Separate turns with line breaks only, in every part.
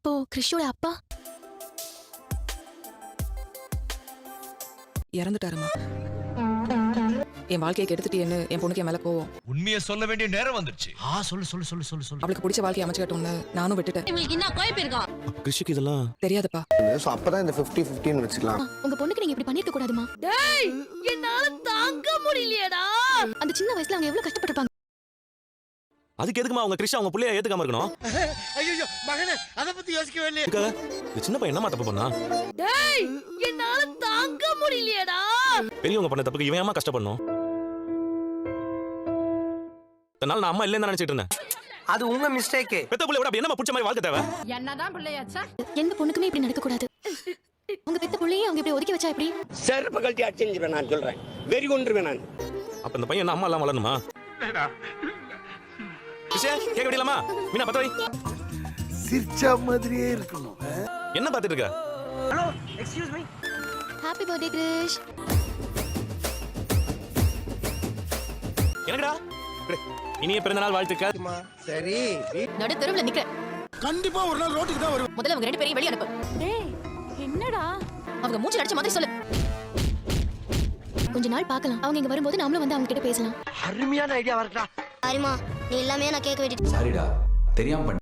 அப்போ கிறிஷோட அப்பா
இறந்துட்டாருமா. என் வாழ்க்கையை கெடுத்துட்டேன்னு என் பொண்ணுக்கு என் மேல கோவம்.
உண்மையை சொல்ல வேண்டிய நேரம் வந்துருச்சு.
சொல்லு.
அவளுக்கு பிடிச்ச வாழ்க்கையை அமைச்சுக்கட்டும்னு நானும் விட்டுட்டேன்.
உங்களுக்கு என்ன கோய் போயிருக்கா?
கிருஷிக்கு இதெல்லாம்
தெரியாதுப்பா.
சோ அப்பதான் இந்த 50-50 வச்சுக்கலாம்.
உங்க பொண்ணுக்கு நீங்க இப்படி பண்ணிருக்க கூடாதுமா. டேய் என்னால தாங்க முடியலையேடா. அந்த சின்ன வயசுல அவங்க எவ்வளவு கஷ்டப்பட்டிருப்பாங்க.
அதுக்கு எதுக்குமா அவங்க கிருஷி அவங்க புள்ளைய ஏத்துக்காம இருக்கணும்?
ஐயோ மகனே, அத பத்தி யோசிக்கவே இல்லையே.
இந்த சின்ன பையன் என்னமா தப்பு பண்ணா?
டேய் என்னால தாங்க முடியலையேடா.
பெரியவங்க பண்ண தப்புக்கு இவன் ஏமா கஷ்டப்படணும்? தன்னால நான் அம்மா இல்லைன்னு நினைச்சிட்டு இருந்தேன்.
அது உங்க மிஸ்டேக்.
பெத்த புள்ள விட அப்படி என்னமா புடிச்ச மாதிரி வாழ்க்கை தேவை?
என்னதான் பிள்ளையாச்சா? எந்த பொண்ணுக்குமே இப்படி நடக்க கூடாது. உங்க பெத்த புள்ளையே அவங்க இப்படி ஒதுக்கி வச்சா எப்படி?
செருப்பு கழட்டி அடிச்சிருவேன் நான் சொல்றேன். வெறி கொண்டுருவேன் நான்.
அப்ப இந்த பையன் என்ன அம்மா எல்லாம் வளரணுமா? கிருஷே கேட்க முடியலாமா? மீனா பத்த வை.
சிரிச்சா மாதிரியே இருக்கணும்.
என்ன பாத்துட்டு இருக்க?
Hello excuse me.
Happy birthday Krish.
என்னடா? இனிய பிறந்தநாள் வாழ்த்துக்கள்.
சரி
நடு தெருவுல நிக்க.
கண்டிப்பா ஒரு நாள் ரோட்டுக்கு தான் வருவோம்.
முதல்ல அவங்க ரெண்டு பேரையும் வெளிய அனுப்பு. டேய் என்னடா? அவங்க மூஞ்சி அடிச்ச மாதிரி சொல்லு. கொஞ்ச நாள் பார்க்கலாம். அவங்க இங்க வரும்போது நாமளும் வந்து அவங்க கிட்ட பேசலாம்.
அருமையான ஐடியா வரட்டா.
சரிமா, நீ எல்லாமே நான் கேட்க வேண்டியது.
சாரிடா, தெரியாம பண்ண.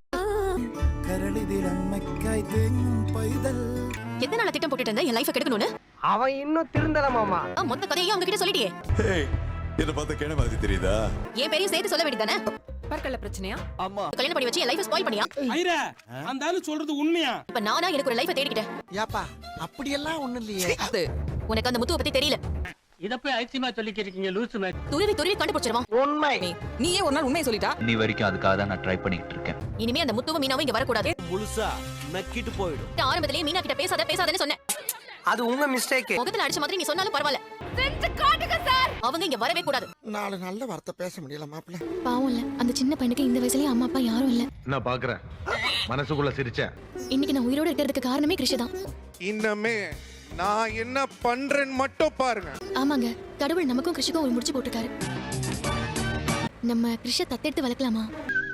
எத்தனை நாள் திட்டம் போட்டுட்டு இருந்த என் லைஃபை கெடுக்கணும்னு?
அவன் இன்னும் திருந்தல மாமா.
மொத்த கதையும் அவங்க கிட்ட சொல்லிட்டியே.
என்ன பார்த்த கேன மாதிரி தெரியுதா?
என் பேரையும் சேர்த்து சொல்ல வேண்டியதானே?
பற்கல்ல பிரச்சனையா?
அம்மா
கல்யாணம் பண்ணி வச்சு என் லைஃபை ஸ்பாயில் பண்ணியா?
ஐரா, அந்த ஆளு சொல்றது உண்மையா?
இப்ப நானா எனக்கு ஒரு லைஃபை தேடிக்கிட்டேன்.
ஏப்பா அப்படியெல்லாம் ஒண்ணும் இல்லையே.
உனக்கு அந்த முத்துவை பத்தி தெரியல.
இத போய் ஐசியமா சொல்லிக்கிறீங்க லூசு மேட்.
துருவி கண்டுபிடிச்சிருவான்.
உண்மை.
நீயே ஒரு நாள் உண்மையை சொல்லிட்டா?
நீ வரைக்கும் அதுக்காக தான் நான் ட்ரை பண்ணிட்டு இருக்கேன்.
இனிமே அந்த முத்துவும் மீனாவும் இங்க வரக்கூடாது.
முழுசா நக்கிட்டு போயிடும்.
ஆரம்பத்திலேயே மீனா கிட்ட பேசாதன்னு சொன்னேன்.
அது உங்க மிஸ்டேக்.
முகத்துல அடிச்ச மாதிரி நீ சொன்னாலும் பரவாயில்ல. செஞ்சு காட்டுங்க சார். அவங்க இங்க வரவே கூடாது.
நாலு நல்ல வார்த்தை பேச முடியல மாப்ள.
பாவம் இல்ல, அந்த சின்ன பையனுக்கு இந்த வயசுலயே அம்மா அப்பா யாரும் இல்ல.
நான் பாக்குறேன். மனசுக்குள்ள சிரிச்சேன்.
இன்னைக்கு நான் உயிரோட இருக்கிறதுக்கு காரணமே கிருஷி தான்.
இன்னமே நான் என்ன பண்றேன்னு மட்டும் பாருங்க.
ஆமாங்க, கடவுள் நமக்கும் கிருஷிக்கும் ஒரு முடிச்சு போட்டுருக்காரு. நம்ம கிருஷ தத்தெடுத்து வளர்க்கலாமா?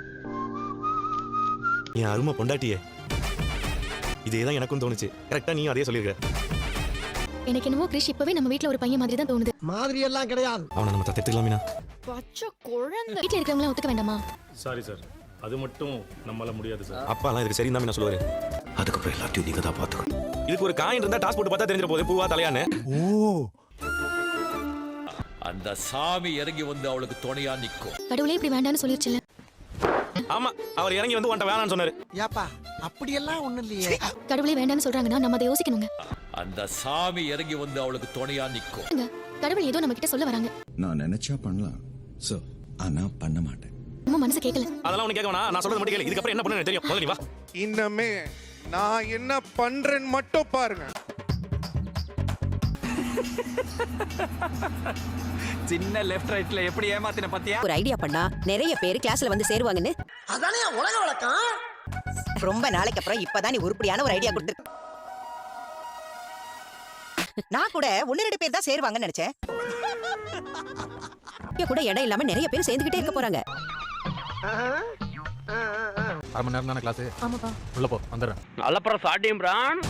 என் அருமை பொண்டாட்டியே, இதேதான் எனக்கும் தோணுச்சு. கரெக்டா நீ அதே சொல்லிருக்க.
எனக்கு என்னவோ கிருஷ் இப்பவே நம்ம வீட்ல ஒரு பையன் மாதிரி தான் தோணுது.
மாதிரி எல்லாம் கிடையாது.
அவனை நம்ம தத்தெடுத்துக்கலாம் மீனா.
பச்சை குழந்தை. வீட்ல இருக்கவங்க ஒத்துக்க வேண்டாமா?
சாரி சார், அது மட்டும் நம்மளால முடியாது சார்.
அப்பாலாம் இதுக்கு சரி தான் மீனா சொல்லுவாரு.
அதுக்கப்புறம் எல்லாத்தையும் நீங்க தான் பாத்துக்கணும்.
இதுக்கு ஒரு காயின் இருந்தா டாஸ் போட்டு பார்த்தா தெரிஞ்சிட போகுது பூவா தலையான்னு.
அந்த சாமி இறங்கி வந்து அவளுக்கு துணையா நிக்கும்.
கடவுளே இப்படி வேண்டாம்னு சொல்லிருச்சுல.
ஆமா, அவர் இறங்கி வந்து உன்ட்ட வேணாம்னு சொன்னாரு.
ஏப்பா அப்படியெல்லாம் ஒண்ணும் இல்லையே.
கடவுளே வேண்டாம்னு சொல்றாங்கன்னா நம்ம அதை யோசிக்கணுங்க.
அந்த சாமி இறங்கி வந்து அவளுக்கு துணையா நிக்கும்.
கடவுள் ஏதோ நம்ம கிட்ட சொல்ல வராங்க.
நான் நினைச்சா பண்ணலாம். சோ, ஆனா பண்ண மாட்டேன்.
நம்ம மனசு கேட்கல.
அதெல்லாம் உனக்கு கேட்க வேணாம், நான் சொல்றது மட்டும் கேளு. இதுக்கப்புறம் என்ன பண்ணணும் தெரியும். முதல்ல நீ வா.
இன்னமே நான் என்ன பண்றேன்னு மட்டும் பாருங்க.
சின்ன லெஃப்ட் ரைட்ல எப்படி ஏமாத்தின பாத்தியா?
ஒரு ஐடியா பண்ணா நிறைய பேர் கிளாஸ்ல வந்து சேருவாங்கன்னு.
அதானே உலக வழக்கம்.
ரொம்ப நாளைக்கு அப்புறம் இப்பதான் நீ உருப்படியான ஒரு ஐடியா கொடுத்து. நான் கூட 1-2 பேர் தான் சேருவாங்கன்னு நினைச்சேன். கூட இடம் இல்லாம நிறைய பேர் சேர்ந்துகிட்டே இருக்க போறாங்க.
அரை மணி நேரம் தானே கிளாஸ்?
ஆமாப்பா.
உள்ள போ, வந்துடுறேன்.
அலப்புறம் சாட்டியும் பிரான்.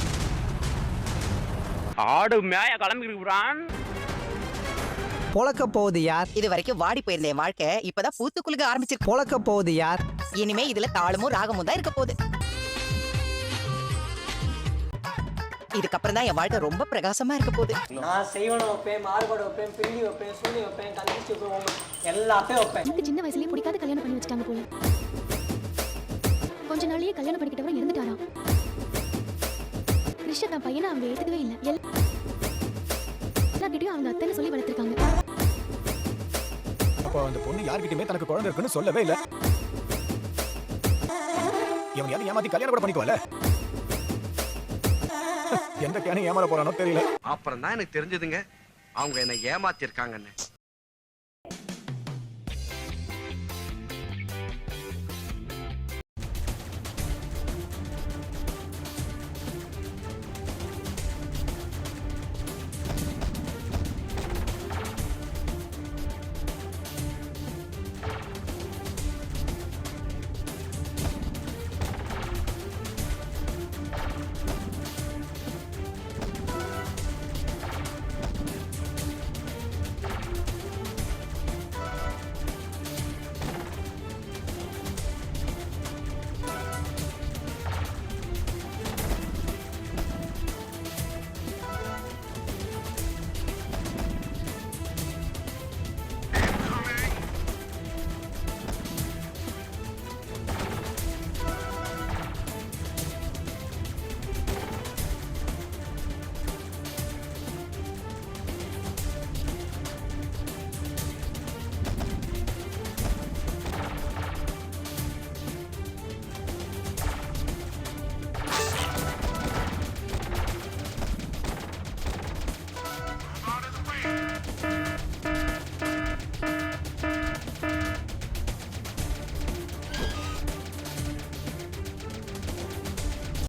ஆடு மேய கிளம்பிருக்கு பிரான்.
பொளக்க போகுது யார்?
இது வரைக்கும் வாடி போயிருந்த என் வாழ்க்கை இப்பதான் பூத்துக்குளுக்க ஆரம்பிச்சிருக்கு.
பொளக்க போகுது யார்?
இனிமே இதுல தாளமும் ராகமும் தான் இருக்க போகுது. இதுக்கப்புறம் தான் என் வாழ்க்கை ரொம்ப பிரகாசமா இருக்க போகுது.
நான் செய்வன வைப்பேன், மார்போட வைப்பேன், பில்லி வைப்பேன், சூனி வைப்பேன், கந்திச்சு வைப்பேன், எல்லாத்தையும் வைப்பேன்.
எனக்கு சின்ன வயசுலயே பிடிக்காத கல்யாணம் பண்ணி வச்சுட்டாங்க போல. கொஞ்ச நாளையே கல்யாணம் பண்ணிக்கிட்டவரை இறந்துட்டாராம். கிருஷ்ண தான் பையனை அவங்க ஏத்துக்கவே இல்ல. எல்லார்கிட்டயும் அவங்க அத்தைன்னு சொல்லி வளர்த்திருக்காங்க.
அப்போ அந்த பொண்ணு யார்கிட்டயுமே தனக்கு குழந்தை இருக்குன்னு சொல்லவே இல்ல. இவன் யாரும் ஏமாத்தி கல்யாணம் கூட பண்ணிக்குவல. எந்த கேனை ஏமாற போறானோ தெரியல.
அப்புறம் தான் எனக்கு தெரிஞ்சதுங்க அவங்க என்ன ஏமாத்தி இருக்காங்கன்னு.